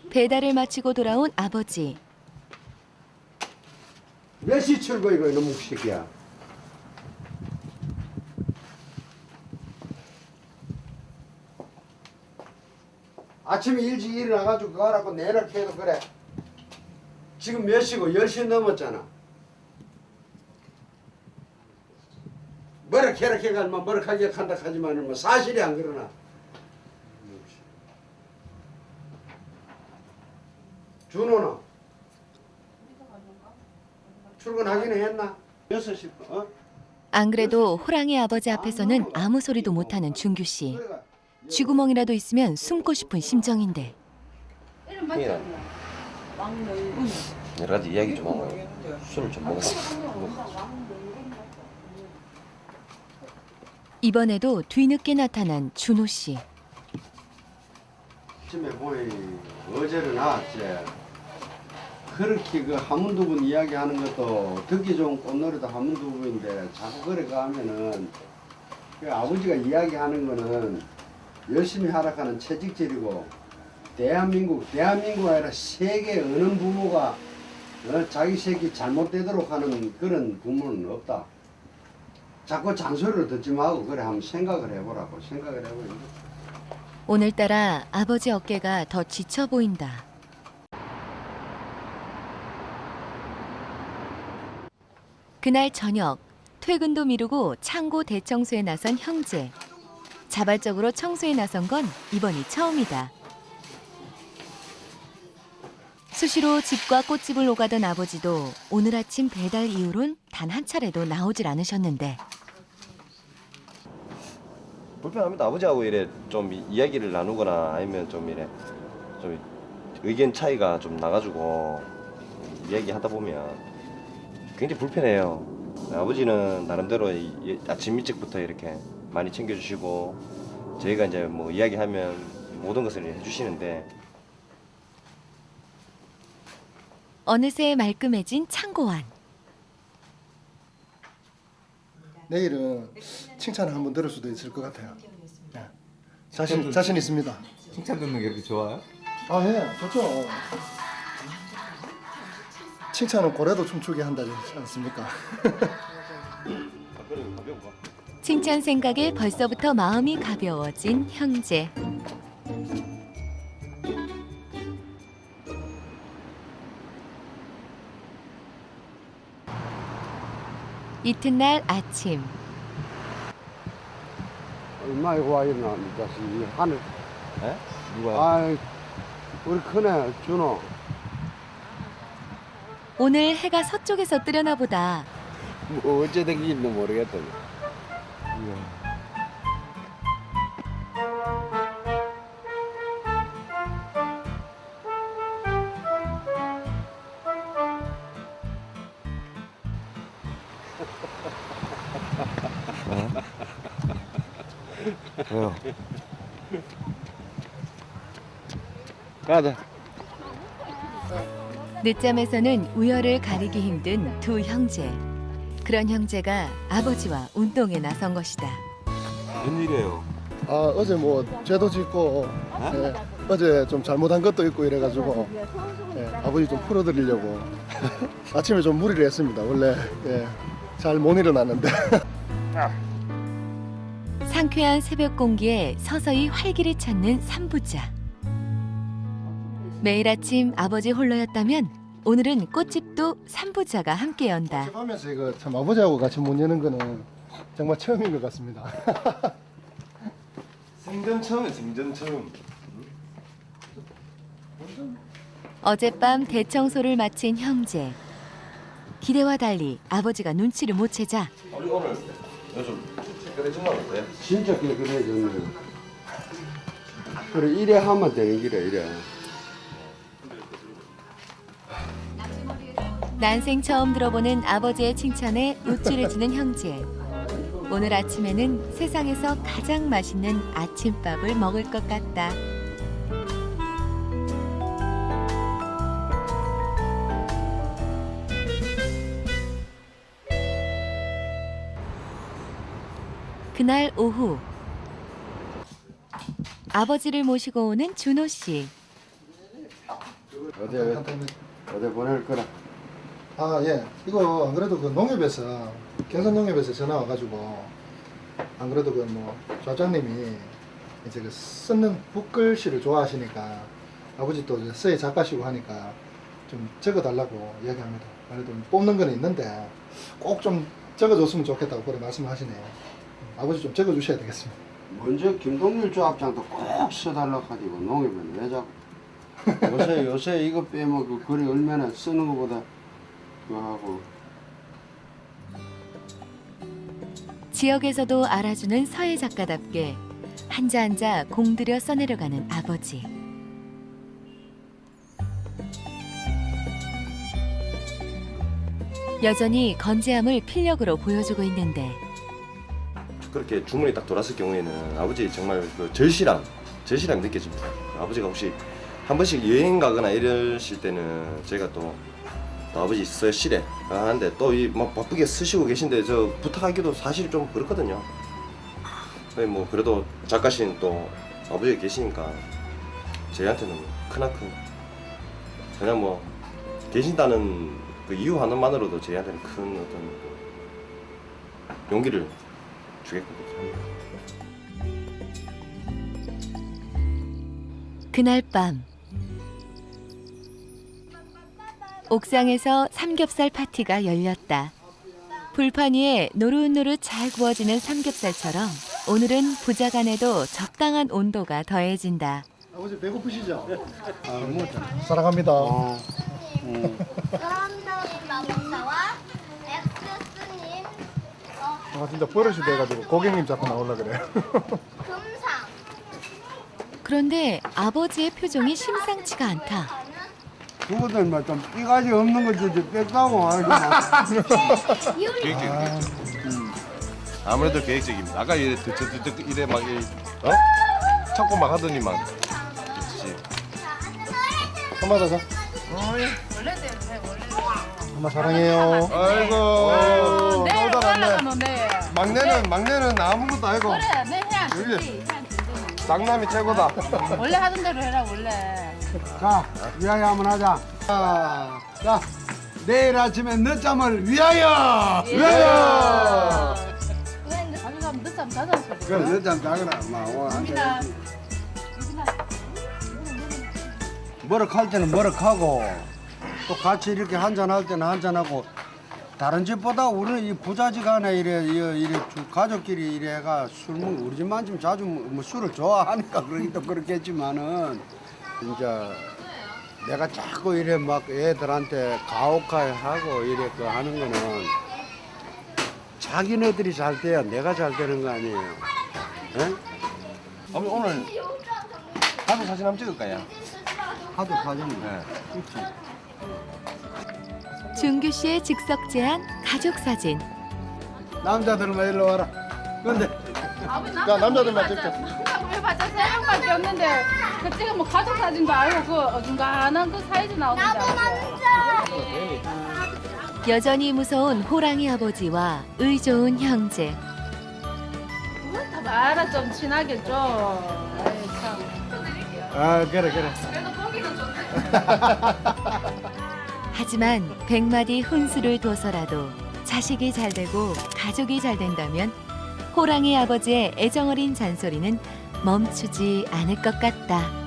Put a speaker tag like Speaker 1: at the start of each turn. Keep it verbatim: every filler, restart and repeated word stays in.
Speaker 1: 배달을 마치고 돌아온 아버지.
Speaker 2: 몇 시 출근이고 이놈 묵새끼야. 아침에 일찍 일어나가지고 그거 하라고 내일 해도 그래. 지금 몇 시고 열 시 넘었잖아. 뭐라 캐라 캐가 뭐 뭐라 하게 한다 하지만은 뭐 사실이 안 그러나. 준호는 출근하기는 했나? 여섯 시 어?
Speaker 1: 안 그래도 호랑이 아버지 앞에서는 아무 소리도 못하는 준규 씨. 쥐구멍이라도 있으면 숨고 싶은 심정인데.
Speaker 3: 형이랑 여러 가지 이야기 좀 하고 술을 좀 먹었어.
Speaker 1: 이번에도 뒤늦게 나타난 준호 씨.
Speaker 2: 아침에 보니 어제는 나왔지. 그렇게 그 한문두분 이야기하는 것도 듣기 좋은 꽃노래도 한문두분인데 자꾸 그래 가면은 그 아버지가 이야기하는 거는 열심히 하락하는 채찍질이고 대한민국 대한민국 아니라 세계 어느 부모가 어, 자기 새끼 잘못되도록 하는 그런 부모는 없다. 자꾸 잔소리를 듣지 말고 그래 한번 생각을 해보라고 생각을 해보니까.
Speaker 1: 오늘따라 아버지 어깨가 더 지쳐 보인다. 그날 저녁 퇴근도 미루고 창고 대청소에 나선 형제. 자발적으로 청소에 나선 건 이번이 처음이다. 수시로 집과 꽃집을 오가던 아버지도 오늘 아침 배달 이후론 단 한 차례도 나오질 않으셨는데.
Speaker 3: 불편합니다. 아버지하고 이래 좀 이야기를 나누거나 아니면 좀 이래 좀 의견 차이가 좀 나가지고 이야기하다 보면 굉장히 불편해요. 아버지는 나름대로 이- 아침 일찍부터 이렇게 많이 챙겨주시고 저희가 이제 뭐 이야기하면 모든 것을 해주시는데
Speaker 1: 어느새 말끔해진 창고 안.
Speaker 4: 내일은 칭찬을 한번 들을 수도 있을 것 같아요. 네. 자신 자신 있습니다.
Speaker 5: 칭찬 듣는 게 그렇게 좋아요?
Speaker 4: 아 예, 좋죠. 칭찬은 고래도 춤추게 한다지 않습니까?
Speaker 1: 칭찬 생각에 벌써부터 마음이 가벼워진 형제. 이튿날 아침.
Speaker 2: 얼마나 와 있나 이 자식이 하늘.
Speaker 3: 에? 누가?
Speaker 2: 아이 우리 큰애 준호.
Speaker 1: 오늘 해가 서쪽에서 뜨려나 보다.
Speaker 2: 뭐 어째 된 게 있는지 모르겠다.
Speaker 3: 왜요?
Speaker 2: 가자.
Speaker 1: 늦잠에서는 우열을 가리기 힘든 두 형제. 그런 형제가 아버지와 운동에 나선 것이다.
Speaker 3: 웬일이에요?
Speaker 4: 아 어제 뭐 죄도 짓고 예, 어제 좀 잘못한 것도 있고 이래가지고 예, 아버지 좀 풀어드리려고 아침에 좀 무리를 했습니다. 원래 예, 잘 못 일어났는데.
Speaker 1: 상쾌한 새벽 공기에 서서히 활기를 찾는 삼부자. 매일 아침 아버지 홀로였다면 오늘은 꽃집도 삼부자가 함께 연다.
Speaker 4: 하면서 이거 참 아버지하고 같이 못 여는 거는 정말 처음인 것 같습니다.
Speaker 3: 생전 처음에 생전 처음.
Speaker 1: 어젯밤 대청소를 마친 형제. 기대와 달리 아버지가 눈치를 못 채자
Speaker 3: 우리 오늘 요즘 깨끗해진 건 어때요?
Speaker 2: 진짜 깨끗해졌네. 그래 이래 하면 되는 길이야 이래.
Speaker 1: 난생 처음 들어보는 아버지의 칭찬에 우쭐해지는 형제. 오늘 아침에는 세상에서 가장 맛있는 아침밥을 먹을 것 같다. 그날 오후 아버지를 모시고 오는 준호 씨.
Speaker 2: 어디 어디 보낼 거라.
Speaker 4: 아, 예. 이거 안 그래도 그 농협에서 경선 농협에서 전화 와가지고 안 그래도 그 뭐 조장님이 이제 그 쓰는 붓글씨를 좋아하시니까 아버지 또 이제 서예 작가시고 하니까 좀 적어달라고 이야기합니다. 그래도 뽑는 건 있는데 꼭 좀 적어줬으면 좋겠다고 그래 말씀하시네요. 아버지 좀 적어주셔야 되겠습니다.
Speaker 2: 먼저 김동률 조합장도 꼭 써달라고 하지고 농협은 왜 자꾸 요새 요새 이거 빼면 그 글이 얼마나 쓰는 것보다 그거 하고.
Speaker 1: 지역에서도 알아주는 서예 작가답게 한자 한자 공들여 써내려가는 아버지. 여전히 건재함을 필력으로 보여주고 있는데
Speaker 3: 그렇게 주문이 딱 돌았을 경우에는 아버지 정말 그 절실함, 절실함이 느껴집니다. 아버지가 혹시 한 번씩 여행 가거나 이러실 때는 저희가 또, 또 아버지 서실에 하는데 또 이 막 바쁘게 쓰시고 계신데 저 부탁하기도 사실 좀 그렇거든요. 근데 뭐 그래도 작가신 또 아버지가 계시니까 저희한테는 크나큰 그냥 뭐 계신다는 그 이유 하나만으로도 저희한테는 큰 어떤 그 용기를 주겠거든요.
Speaker 1: 그날 밤 옥상에서 삼겹살 파티가 열렸다. 불판 위에 노릇노릇 잘 구워지는 삼겹살처럼 오늘은 부자간에도 적당한 온도가 더해진다.
Speaker 4: 아버지 배고프시죠?
Speaker 2: 아, 뭐
Speaker 4: 사랑합니다.
Speaker 2: 어. 음.
Speaker 5: 사람들이 마법사와 엑스스님 어,
Speaker 4: 아 진짜 버릇이 돼가지고 고객님 자꾸 나오려 그래.
Speaker 5: 금상
Speaker 1: 그런데 아버지의 표정이 심상치가 않다.
Speaker 2: 그거들 뭐좀 삐가지 없는 거지 좀 뺐다고 알겠나.
Speaker 6: 계획적입니다. 아무래도 계획적입니다. 아까 이래 듣, 듣, 듣, 이래 막 이, 어? 찾고 막 하더니만. 그렇지.
Speaker 4: 엄마 자자. 엄마 사랑해요.
Speaker 6: 아이고.
Speaker 7: 내일
Speaker 6: 또 달았네.
Speaker 7: 올라가면 돼.
Speaker 6: 막내는 막내는 아무것도 아니고
Speaker 7: 그래, 내 해야
Speaker 6: 여기.
Speaker 7: 되지. 해야 되지.
Speaker 6: 장남이 최고다.
Speaker 7: 원래 하던 대로 해라 원래.
Speaker 2: 자, 위하여 한번 하자. 자, 자, 내일 아침에 늦잠을 위하여! 위하여!
Speaker 7: 자주 늦잠 자자 소리.
Speaker 2: 그래, 늦잠 자거라. 마, 오늘 한
Speaker 7: 유빈아,
Speaker 2: 잔.
Speaker 7: 유빈아.
Speaker 2: 머럭할 때는 머럭하고, 또 같이 이렇게 한잔할 때는 한잔하고, 다른 집보다 우리는 이 부자지간에 이래, 이래, 이래 주- 가족끼리 이래가 술 먹, 우리 집만 좀 자주 먹- 뭐 술을 좋아하니까 그러긴 또 그렇겠지만은, 진짜 내가 자꾸 이래 막 애들한테 가혹하고 이래 그 하는 거는 자기네들이 잘 돼야 내가 잘 되는 거 아니에요. 예?
Speaker 6: 아버지 오늘 가족 사진 한번 찍을까요?
Speaker 2: 하도 사진이.
Speaker 6: 네.
Speaker 2: 그렇지.
Speaker 1: 준규 씨의 즉석 제안 가족 사진.
Speaker 2: 남자들만 일로 와라. 근데
Speaker 4: 야 남자들만 찍자.
Speaker 7: 한다고 해봤자 세 명밖에 없는데 그 지금 뭐 가족 사진도 아니고 그 어중간한 그 사이즈 나오던데.
Speaker 1: 여전히 무서운 호랑이 아버지와 의 좋은 형제.
Speaker 7: 다 말아 좀 친하게 좀. 아이 참.
Speaker 2: 아 그래 그래.
Speaker 1: 하지만 백마디 혼수를 둬서라도 자식이 잘 되고 가족이 잘 된다면 호랑이 아버지의 애정어린 잔소리는 멈추지 않을 것 같다.